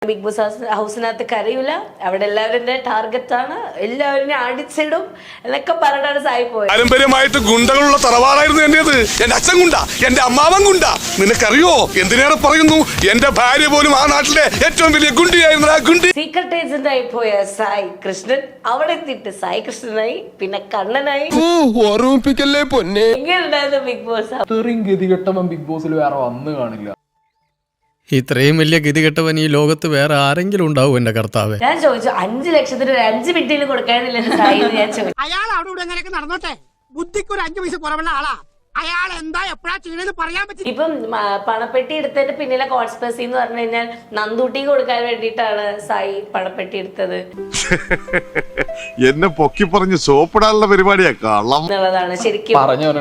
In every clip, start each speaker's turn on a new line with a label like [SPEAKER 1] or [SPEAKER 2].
[SPEAKER 1] Big boss ഹൗസിനകത്ത് കരയൂല, അവിടെ എല്ലാവരുടെ ടാർഗറ്റാണ്, എല്ലാവരും അടിച്ചിടും എന്നൊക്കെ പറഞ്ഞാണ് സായി പോയത്.
[SPEAKER 2] പാരമ്പര്യമായിട്ട് ഗുണ്ടകളുള്ള തറവാടായിരുന്നു എന്റേത്. എന്റെ അച്ഛൻ ഗുണ്ട, എന്റെ അമ്മാവൻ ഗുണ്ട. നിനക്കറിയോ എന്തിനേറെ പറയുന്നു, എന്റെ ഭാര്യ പോലും ആ നാട്ടിലെ ഏറ്റവും വലിയ ഗുണ്ടിയായിരുന്നു. ആ ഗുണ്ടി
[SPEAKER 1] സീക്രട്ട് ഏജന്റ് ആയി പോയ സായി കൃഷ്ണൻ അവിടെ എത്തിയിട്ട് സായി കൃഷ്ണനായി, പിന്നെ കണ്ണനായി.
[SPEAKER 3] ഓർമ്മിപ്പിക്കല്ലേ പൊന്നെ.
[SPEAKER 1] എങ്ങനെയുണ്ടായിരുന്നു ബിഗ് ബോസ്?
[SPEAKER 3] ഇത്രയും ഗതികെട്ടവൻ ബിഗ് ബോസിൽ വേറെ വന്നു കാണില്ല.
[SPEAKER 4] ഇത്രയും വലിയ ഗതികെട്ടവൻ ഈ ലോകത്ത് വേറെ ആരെങ്കിലും ഉണ്ടാവും എന്റെ കർത്താവേ.
[SPEAKER 1] ഞാൻ ചോദിച്ചു 5 ലക്ഷത്തിന് ഒരു 5 മിനിറ്റിൽ കൊടുക്കാനില്ല സായി. ഞാൻ ചോദിച്ചു
[SPEAKER 5] അയാൾ അവിടെ ഇവിടെ എങ്ങനെയൊക്കെ നടന്നോട്ടെ, ബുദ്ധിക്ക് ഒരു 5 പൈസ കുറവുള്ള ആളാ. അയാൾ എന്താ എപ്പോഴാ ചെയ്യണെന്ന് പറയാൻ പറ്റില്ല.
[SPEAKER 1] ഇപ്പം പണപ്പെട്ടി എടുത്തതിന്റെ പിന്നിലെ കോൺസ്പെസി എന്ന് പറഞ്ഞു കഴിഞ്ഞാൽ നന്ദൂട്ടി കൊടുക്കാൻ വേണ്ടിയിട്ടാണ് സായി പണപ്പെട്ടി എടുത്തത്
[SPEAKER 2] എന്നെ പൊക്കി പറഞ്ഞ് സോപ്പിടാനുള്ള പരിപാടിയാ കള്ളം
[SPEAKER 1] എന്നുള്ളതാണ് ശരിക്കും.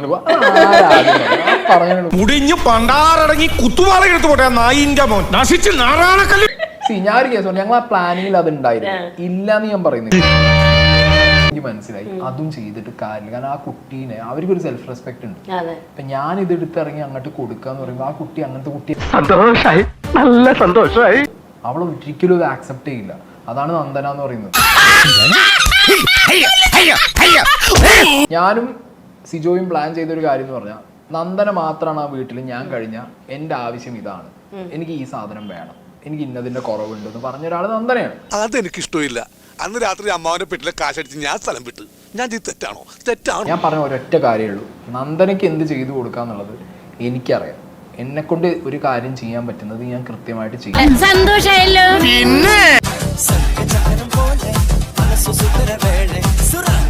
[SPEAKER 6] മുടിഞ്ഞ് പണ്ടാറടങ്ങി കുത്തുവാള എടുത്തു പോട്ടെ നായിന്റെ മോൻ നശിച്ച് നാറാണക്കല്ല്.
[SPEAKER 3] ഞാൻ ഒരു കേസ് ഞങ്ങൾ ആ പ്ലാനിങ്ങിൽ അത് ഉണ്ടായിരുന്നു, ഇല്ലാന്ന് ഞാൻ പറയുന്നത്. എനിക്ക് മനസ്സിലായി അതും ചെയ്തിട്ട് കാര്യമില്ല. കാരണം ആ കുട്ടീനെ അവർക്കൊരു സെൽഫ് റെസ്പെക്ട് ഉണ്ട്. അപ്പൊ ഞാൻ ഇത് എടുത്തിറങ്ങി അങ്ങോട്ട് കൊടുക്കാന്ന് പറയുമ്പോ ആ കുട്ടി അങ്ങനത്തെ കുട്ടി
[SPEAKER 6] സന്തോഷായി, നല്ല സന്തോഷായി.
[SPEAKER 3] അവളെ ഒരിക്കലും ഇത് ആക്സെപ്റ്റ് ചെയ്യില്ല. അതാണ് നന്ദന എന്ന് പറയുന്നത്. ഞാനും സിജോയും പ്ലാൻ ചെയ്തൊരു കാര്യം എന്ന് പറഞ്ഞാൽ, നന്ദന മാത്രമാണ് ആ വീട്ടിൽ ഞാൻ കഴിഞ്ഞ എന്റെ ആവശ്യം ഇതാണ്, എനിക്ക് ഈ സാധനം വേണം, എനിക്ക് ഇന്നതിന്റെ കുറവുണ്ടെന്ന് പറഞ്ഞ ഒരാൾ നന്ദനയാണ്.
[SPEAKER 2] അതെനിക്ക് ഇഷ്ടമില്ല. അന്ന് രാത്രി അമ്മാവന്റെ പെട്ടിലെ കാശടിച്ച് ഞാൻ സ്ഥലം വിട്ട്. ഞാൻ തെറ്റാണോ? തെറ്റാണോ?
[SPEAKER 3] ഞാൻ പറഞ്ഞ ഒരൊറ്റ കാര്യമേ ഉള്ളൂ, നന്ദനയ്ക്ക് എന്ത് ചെയ്തു കൊടുക്കാന്നുള്ളത് എനിക്കറിയാം. എന്നെ കൊണ്ട് ഒരു കാര്യം ചെയ്യാൻ പറ്റുന്നത് ഞാൻ കൃത്യമായിട്ട് ചെയ്യും.
[SPEAKER 7] സന്തോഷായല്ലോ. പിന്നെ